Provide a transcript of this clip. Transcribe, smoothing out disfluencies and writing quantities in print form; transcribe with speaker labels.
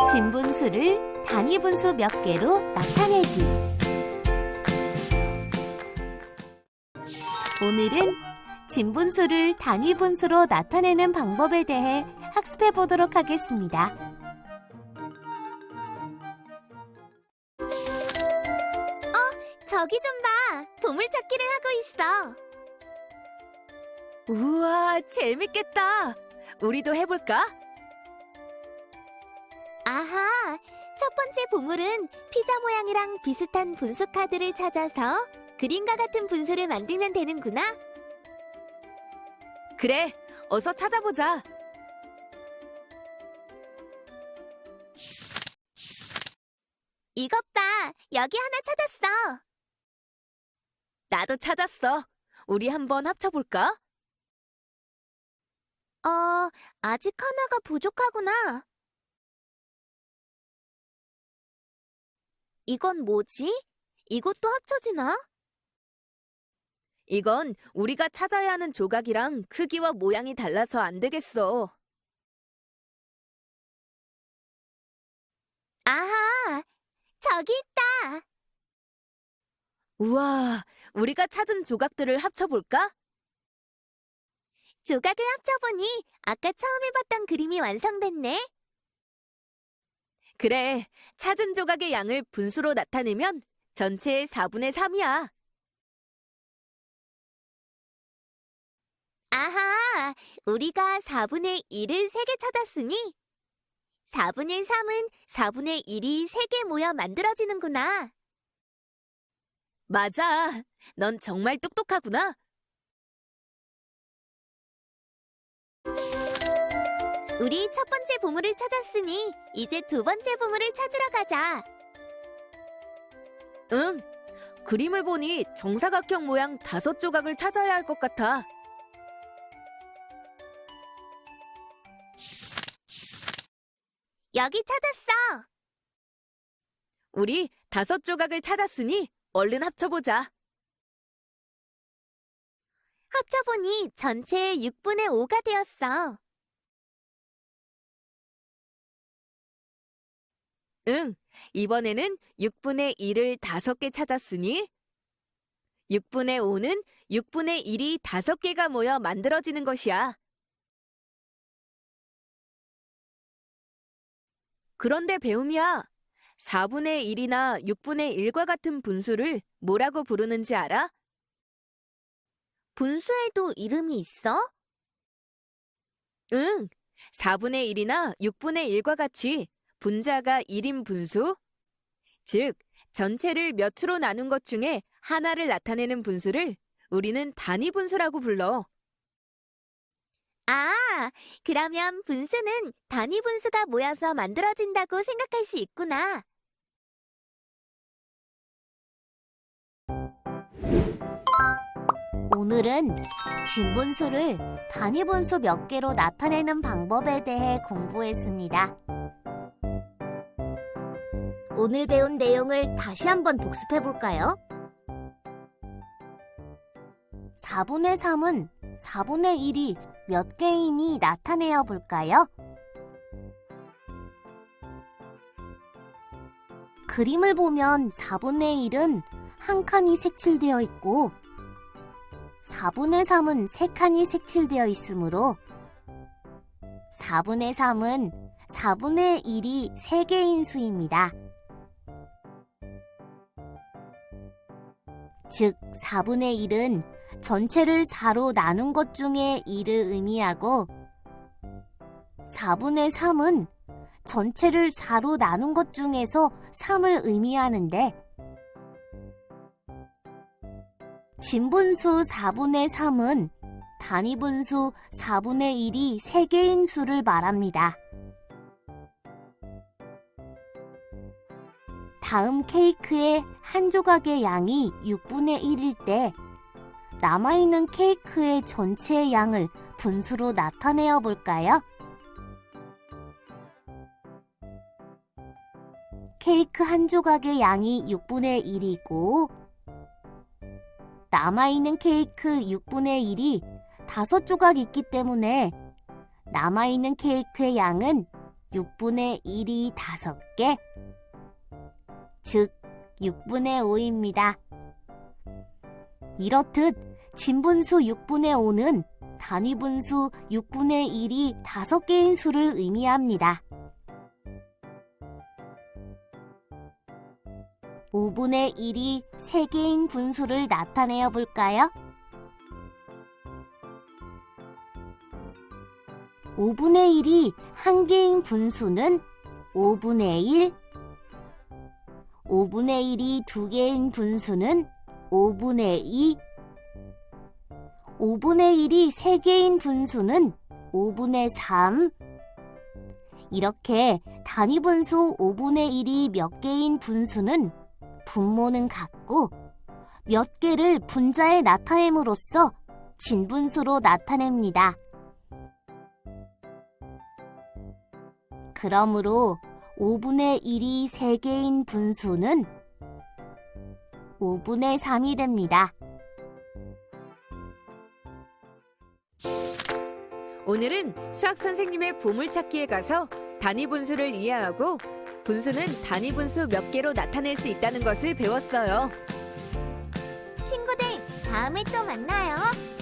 Speaker 1: 진분수를 단위분수 몇 개로 나타내기. 오늘은 진분수를 단위분수로 나타내는 방법에 대해 학습해 보도록 하겠습니다.
Speaker 2: 저기 좀 봐. 보물찾기를 하고 있어.
Speaker 3: 우와, 재밌겠다. 우리도 해볼까?
Speaker 2: 아하, 첫 번째 보물은 피자 모양이랑 비슷한 분수 카드를 찾아서 그림과 같은 분수를 만들면 되는구나.
Speaker 3: 그래, 어서 찾아보자.
Speaker 2: 이것 봐, 여기 하나 찾았어.
Speaker 3: 나도 찾았어. 우리 한번 합쳐볼까?
Speaker 2: 아직 하나가 부족하구나. 이건 뭐지? 이것도 합쳐지나?
Speaker 3: 이건 우리가 찾아야 하는 조각이랑 크기와 모양이 달라서 안 되겠어.
Speaker 2: 아하, 저기 있다.
Speaker 3: 우와, 우리가 찾은 조각들을 합쳐볼까?
Speaker 2: 조각을 합쳐보니 아까 처음 해봤던 그림이 완성됐네.
Speaker 3: 그래, 찾은 조각의 양을 분수로 나타내면 전체의 4분의 3이야.
Speaker 2: 아하, 우리가 4분의 1을 3개 찾았으니 4분의 3은 4분의 1이 3개 모여 만들어지는구나.
Speaker 3: 맞아. 넌 정말 똑똑하구나.
Speaker 2: 우리 첫 번째 보물을 찾았으니 이제 두 번째 보물을 찾으러 가자.
Speaker 3: 응. 그림을 보니 정사각형 모양 5조각을 찾아야 할 것 같아.
Speaker 2: 여기 찾았어.
Speaker 3: 우리 5조각을 찾았으니 얼른 합쳐보자.
Speaker 2: 합쳐보니 전체의 6분의 5가 되었어.
Speaker 3: 응, 이번에는 6분의 1을 5개 찾았으니 6분의 5는 6분의 1이 5개가 모여 만들어지는 것이야. 그런데 배움이야, 4분의 1이나 6분의 1과 같은 분수를 뭐라고 부르는지 알아?
Speaker 2: 분수에도 이름이 있어?
Speaker 3: 응, 4분의 1이나 6분의 1과 같이 분자가 1인 분수, 즉 전체를 몇으로 나눈 것 중에 하나를 나타내는 분수를 우리는 단위 분수라고 불러.
Speaker 2: 아, 그러면 분수는 단위 분수가 모여서 만들어진다고 생각할 수 있구나.
Speaker 1: 오늘은 진분수를 단위분수 몇 개로 나타내는 방법에 대해 공부했습니다. 오늘 배운 내용을 다시 한번 복습해 볼까요? 4분의 3은 4분의 1이 몇 개이니 나타내어 볼까요? 그림을 보면 4분의 1은 한 칸이 색칠되어 있고 4분의 3은 3칸이 색칠되어 있으므로 4분의 3은 4분의 1이 3개인 수입니다. 즉 4분의 1은 전체를 4로 나눈 것 중에 2를 의미하고 4분의 3은 전체를 4로 나눈 것 중에서 3을 의미하는데 진분수 4분의 3은 단위분수 4분의 1이 3개인 수를 말합니다. 다음 케이크의 한 조각의 양이 6분의 1일 때 남아있는 케이크의 전체의 양을 분수로 나타내어 볼까요? 케이크 한 조각의 양이 6분의 1이고 남아있는 케이크 6분의 1이 5조각 있기 때문에 남아있는 케이크의 양은 6분의 1이 5개, 즉 6분의 5입니다. 이렇듯 진분수 6분의 5는 단위분수 6분의 1이 5개인 수를 의미합니다. 5분의 1이 3개인 분수를 나타내어 볼까요? 5분의 1이 1개인 분수는 5분의 1, 5분의 1이 2개인 분수는 5분의 2, 5분의 1이 3개인 분수는 5분의 3. 이렇게 단위분수 5분의 1이 몇 개인 분수는 분모는 같고 몇 개를 분자에 나타냄으로써 진분수로 나타냅니다. 그러므로 5분의 1이 3개인 분수는 5분의 3이 됩니다.
Speaker 3: 오늘은 수학 선생님의 보물찾기에 가서 단위 분수를 이해하고 분수는 단위 분수 몇 개로 나타낼 수 있다는 것을 배웠어요.
Speaker 2: 친구들, 다음에 또 만나요.